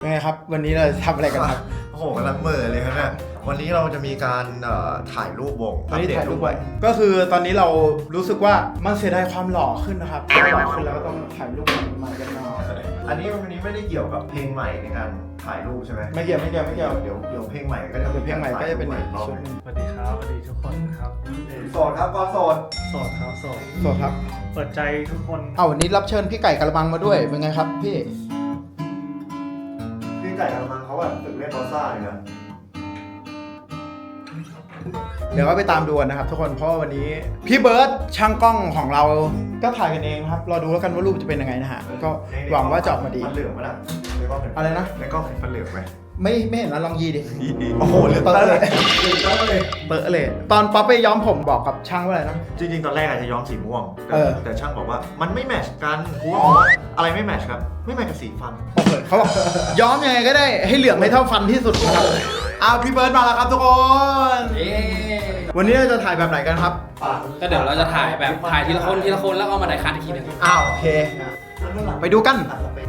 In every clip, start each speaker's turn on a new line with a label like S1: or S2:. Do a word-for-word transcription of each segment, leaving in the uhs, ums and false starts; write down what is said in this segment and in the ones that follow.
S1: ไงครับวันนี้เราทำอะไรกันครับ
S2: โอ้โหกำลังเหม่อเลยครับเนี่ยวันนี้เราจะมีการถ่ายรูปวง
S1: วันนี้ถ่ายรูปไว้ก็คือตอนนี้เรารู้สึกว่ามันเสียดายความหล่อขึ้นนะครับหล่อขึ้นแล้วก็ต้องถ่ายรูปใหม่กันหน่อย
S2: อันนี้วันนี้ไม่ได้เกี่ยวกับเพลงใหม่ในการถ่ายรูปใช่ไหม
S1: ไม่เกี่ยวไม่เกี่ยวไม่เกี่ยว
S2: เดี๋ยวเดี๋ยวเพลงใหม่ก็จะ
S1: เดี๋ยวเพลงใหม่ก็จะเป็นอีกชุดนึง
S3: สวัสดีครับสวัสดีทุกคนครับ
S2: โสดครับก็โสด
S3: โสดครับโสด
S1: โสดครับ
S3: เปิดใจทุกคน
S1: เอาวันนี้รับเชิญพี่ไก่กระมังมาด้วยเป็นไงครับพี่
S2: พี่ไก่กระมังเขาแบบฝึกเล่นบอลซ่าเลยนะ
S1: เดี๋ยวก็ไปตามดูกันนะครับทุกคนเพราะวันนี้พี่เบิร์ดช่างกล้องของเราก็ถ่ายกันเองครับรอดูแล้วกันว่ารูปจะเป็นยังไงนะฮะก็หวังว่าจะออกมาดี
S2: มันเหลืองไหมล่ะ
S1: อะไรนะ
S2: ในกล้องเห็นมันเหลืองไหม
S1: ไม่ไม่เห็นนะลองยีดิ
S2: โอ้โหเหลืองเตอะเลยเหลืองเตอะเลย
S1: เตอะเลยตอนป๊อปไปย้อมผมบอกกับช่างว่าอะไรนะ
S2: จริงๆตอนแรกอาจจะย้อมสีม่วงแต่ช่างบอกว่ามันไม่แมทช์กันกูว่าอะไรไม่แมทช์ครับไม่แมทช์กับสีฟัน
S1: โอเคเขาบอกย้อมยังไงก็ได้ให้เหลืองไม่เท่าฟันที่สุดนะครับอ้าวพี่เบิร์ดมาแล้วครับทุกคนวันนี้เราจะถ่ายแบบไหนกันครับ
S4: ก็เดี๋ยวเราจะถ่ายแบบถ่ายทีละคนทีละคนแล้วก็มาถ่ายคัดอีกทีนึง
S1: อ้าวโอเคไปดูกัน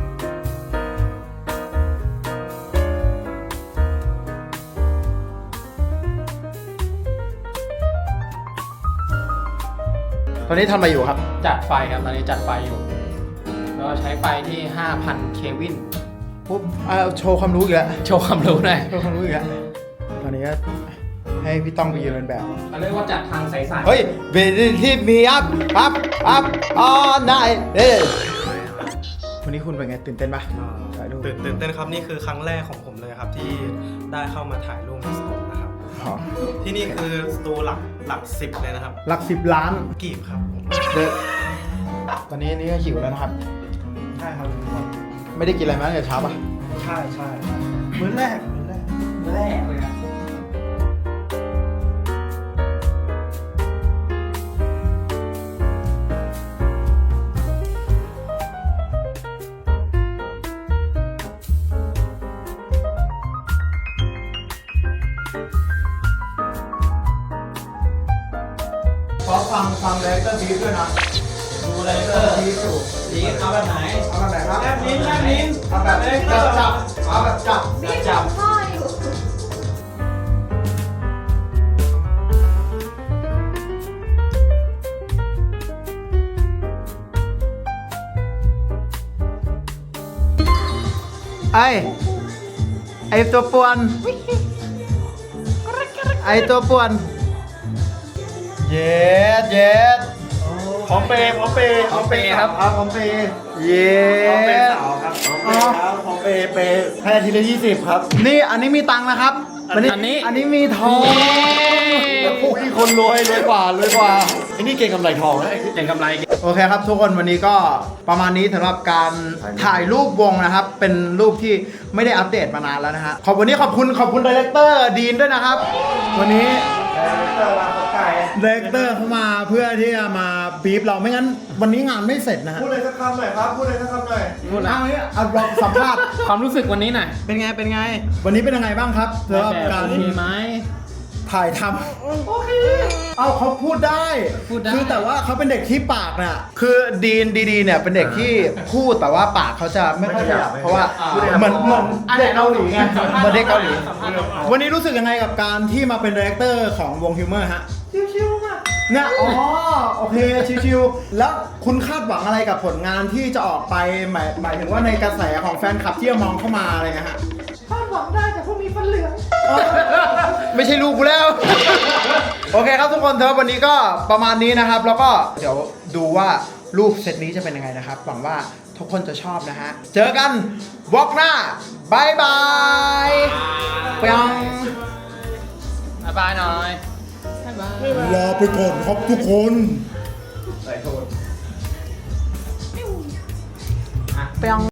S1: ตอนนี้ทำอะไรอยู่ครับ
S4: จัดไฟครับตอนนี้จัดไฟอยู่แล้วใช้ไฟที่ ห้าพัน เควิน
S1: ปุ๊บโชว์ความรู้อีกแล้ว
S4: โชว์ความรู้หน่อย
S1: โชว์ความรู้อีกแล้วตอนนี้ก็ให้พี่ต้องไปยืนเป็นแบบ
S4: เขาเรียกว่าจัดทางใสๆ
S1: เฮ้ยเบลที่มีอัพอัพอัพออนไนเอ้วันนี้คุณเป็นไงตื่นเต้นปะ
S3: ตื่นตื่นเต้นครับนี่คือครั้งแรกของผมเลยครับที่ได้เข้ามาถ่ายรูปในสตูนะครับที่นี่คือสตูหลักหลักสิบเลยนะครับ
S1: หลักสิบล้าน
S3: กีบครับ
S1: เด็ตอนนี้นี่ก็หิวแล้วนะครับ
S3: ใช่ครับ
S1: ไม่ได้กินอะไรมาตั้งแต่เช้าปะ
S3: ใช่ใช่มื้อแรกมื้อแรกมื้อแรกเลยครับ
S1: ขอฟังฟังเลเตอร์บีฟด้วยนะดูเลเตอร์บีฟอยู่
S4: บีฟเอาแบบไหน
S1: เอาแบบไหนครับ
S4: แลบลิ้นแลบลิ้น
S1: เอาแบบจับจับเอาแบบจับ
S4: จับ
S5: พ่ออยู่
S1: ไอไอตัวป่วนไอตัวป่วนเย็ดเย็ด
S3: พร้อมเปย์พร้อมเปย์
S4: พร้อมเปย์ครับ
S3: พร้อมเปย์
S1: เย็ดพร้อมเปย์
S3: สาวครับพร้อมเปย์ครับพร้อมเปย์เปย์แค่ทีละยี่สิบครับ
S1: นี่อันนี้มีตังค์นะครับ
S4: อันนี้
S1: อันนี้มีทอง
S3: พวกที่คนรวยรวยกว่ารวยกว่าไอ้นี่เก่งกำไรทองนะ
S4: เก่งกำไร
S1: โอเคครับทุกคนวันนี้ก็ประมาณนี้สำหรับการถ่ายรูปวงนะครับเป็นรูปที่ไม่ได้อัปเดตมานานแล้วนะฮะขอบวันนี้ขอบคุณขอบคุณดีเรคเตอร์ดีนด้วยนะครับวันนี้ดีเรคเตอร์เขามาเพื่อที่จะมาบีบเราไม่งั้นวันนี้งานไม่เสร็จนะฮะ
S2: พูดเลยสักคำหน่อยครับพูดเลยสักคำหน่อย
S1: พูดเอาเนี่ยเอาลองสัมภาษณ์
S4: ความรู้สึกวันนี้หน่อย
S1: เป็นไงเป็นไงวันนี้เป็นยังไงบ้างครับสำหรับการ
S4: มีไหม
S1: ถ่ายทำโอเคเอาเขาพูดได้
S4: พูดได้
S1: คือแต่ว่าเขาเป็นเด็กที่ปากน่ะคือดีนดีๆเนี่ยเป็นเด็กที่พูดแต่ว่าปากเขาจะไม่ค่อยขยับเพราะว่าเหมือนเหมือนเด็กเกาหลีไงเหมือนเด็กเกาหลีวันนี้รู้สึกยังไงกับการที่มาเป็นดีเรคเตอร์ของวงฮิวเมอร์ฮะชิวๆมากเนี่ยอ๋อโอเคชิวๆแล้วคุณคาดหวังอะไรกับผลงานที่จะออกไปหมายหมายถึงว่าในกระแสของแฟนคลับที่จะมองเข้ามาอะไรเงี้ยฮะ
S5: คาดหวังได้แต่พวกมีฟันเหลือง
S1: ไม่ใช่ลูกกูแล้ว โอเคครับทุกคนเถอะวันนี้ก็ประมาณนี้นะครับแล้วก็เดี๋ยวดูว่ารูปเซตนี้จะเป็นยังไงนะครับหวังว่าทุกคนจะชอบนะฮะเจอกันวอล์กหน้าบายบายเปียง
S4: บายบายหน่อย
S1: ลาไปก่อนครับทุกคน
S2: ใส่โทษ
S1: เปียง